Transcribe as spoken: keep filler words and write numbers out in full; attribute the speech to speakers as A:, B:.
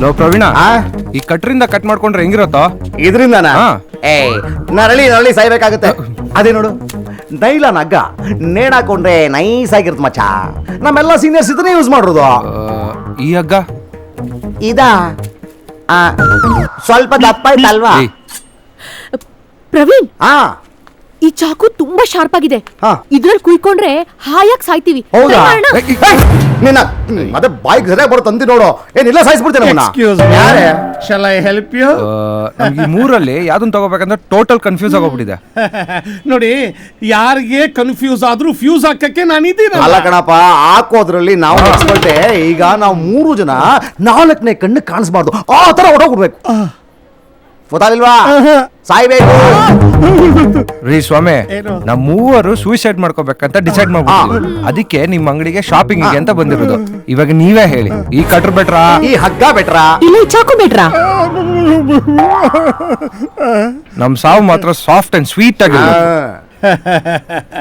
A: Low Praveen,
B: ಆ?
A: ಈ ಕಟ್ರಿಂದ cut ಮಾಡ್ಕೊಂಡ್ರೆ ಹೆಂಗಿರತ್ತೋ?
B: ಇದ್ರಿಂದನ
A: ಹಾ.
B: ಏ ನರಳಿ ನರಳಿ ಸಾಯ್ಬೇಕಾಗುತ್ತೆ. ಅದೇ ನೋಡು, ನೈಲಾನ್ ಹಗ್ಗ ನೇಣಾಕೊಂಡ್ರೆ ನೈಸ್ ಆಗಿರುತ್ತೆ ಮಚ್ಚ. ನಮ್ಮೆಲ್ಲ ಸೀನಿಯರ್ಸ್ ಇದನ್ನೇ ಯೂಸ್ ಮಾಡೋದು.
A: ಆ, ಈ ಹಗ್ಗ
B: ಇದಾ ಆ, ಸ್ವಲ್ಪ ದಪ್ಪ ಆಯ್ತಲ್ವಾ?
A: ಏಯ್,
C: ಪ್ರವೀಣ್,
B: ಹಾ
C: ಈ ಚಾಕು ತುಂಬಾ ಶಾರ್ಪ್ ಆಗಿದೆ.
B: ಹಾ.
C: ಇದ್ರಲ್ಲಿ ಕುಯ್ಕೊಂಡ್ರೆ ಹಾಯಾಗಿ ಸಾಯ್ತೀವಿ.
B: ಹೌದಾ?
C: try ಮಾಡೋಣ?
A: ಏಯ್,
B: ಏಯ್, ನಿನ್ನ ಮತ್ತೆ ಬಾಯ್ಗೆ ಸರಿಯಾಗಿ ಬರೋ ತಂದಿ ನೋಡು. ಏನಿಲ್ಲ ಸಾಯಿಸ್ಬಿಡ್ತೇನೆ ನಮ್ಮನ್ನ.
D: Excuse me.
B: ಯಾರೇ?
D: Shall I help you?
A: ಆ, ನಮ್ಗೆ ಈ ಮೂರಲ್ಲಿ ಯಾವ್ದನ್ನ ತಗೋಬೇಕಂದ್ರೆ ಟೋಟಲ್ ಕನ್ಫ್ಯೂಸ್ ಆಗೋಗ್ಬಿಟ್ಟಿದೆ.
D: ನೋಡಿ, ಯಾರಿಗೆ ಕನ್ಫ್ಯೂಸ್ ಆದ್ರೂ ಫ್ಯೂಸ್ ಹಾಕಕ್ಕೆ ನಾನಿದ್ದೀನಿ.
B: ಅಲ್ಲ ಕಣಪ್ಪ, ಹಾಕೋದ್ರಲ್ಲಿ ನಾವು ಎಕ್ಸ್ಪರ್ಟೇ. ಈಗ ನಾವು ಮೂರು ಜನ ನಾಲ್ಕನೇ ಕಣ್ಣು ಕಾಣಿಸ್ಬಾರ್ದು, ಆ ತರ ಹೊಡೋಗ್ಬಿಡ್ಬೇಕು. ಗೊತ್ತಾಗಿಲ್ವಾ? ಸಾಯ್ಬೇಕು.
A: ರೀ ಸ್ವಾಮಿ,
D: ಏನು?
A: ನಮ್ ಮೂವರು ಸೂಸೈಡ್ ಮಾಡ್ಕೋಬೇಕಂತ ಡಿಸೈಡ್ ಮಾಡ್ಬಿಟ್ಟಿದ್ವಿ. ಅದಕ್ಕೆ ನಿಮ್ ಅಂಗಡಿಗೆ ಶಾಪಿಂಗ್ ಅಂತ ಬಂದಿರೋದು. ಇವಾಗ ನೀವೇ ಹೇಳಿ, ಈ ಕಟ್ರ್ ಬೆಟ್ರಾ
B: ಈ ಹಗ್ಗ ಬೆಟ್ರಾ?
C: ಇಲ್ಲ, ಈ ಚಾಕು ಬೇಡ್ರಾ?
A: ನಮ್ ಸಾವು ಮಾತ್ರ ಸಾಫ್ಟ್ ಅಂಡ್ ಸ್ವೀಟ್ ಆಗಿರ್ಬೇಕು.